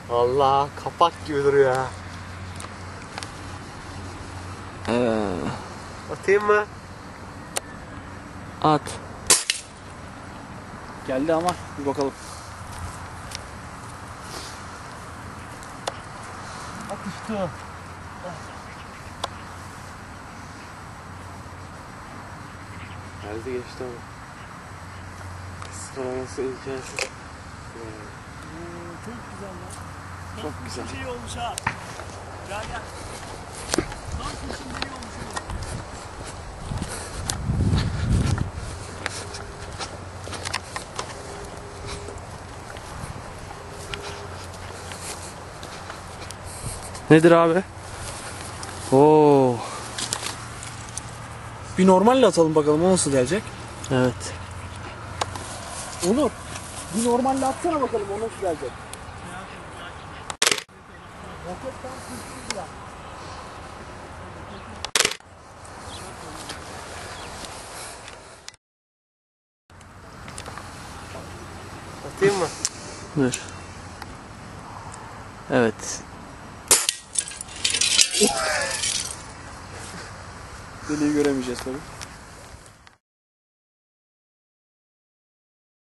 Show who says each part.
Speaker 1: Allah kapak gibi duruyor ya. Atayım mı?
Speaker 2: At. Geldi ama bir bakalım.
Speaker 1: Atıştı. Geldi geçti ama. Sıralaması hikayesi.
Speaker 3: Çok güzel lan.
Speaker 1: Çok güzel.
Speaker 3: Şey olmuş ha. Gel gel. Tam kuşun deli olmuş oğlum.
Speaker 2: Nedir abi? Oo. Bir normalle atalım bakalım o nasıl gelecek.
Speaker 1: Evet.
Speaker 2: Onur. Bir normalle atsana bakalım o nasıl gelecek. Roket tam kuşsuz ya.
Speaker 1: Atayım mı?
Speaker 2: Dur. Evet. Deliği göremeyeceğiz tabii.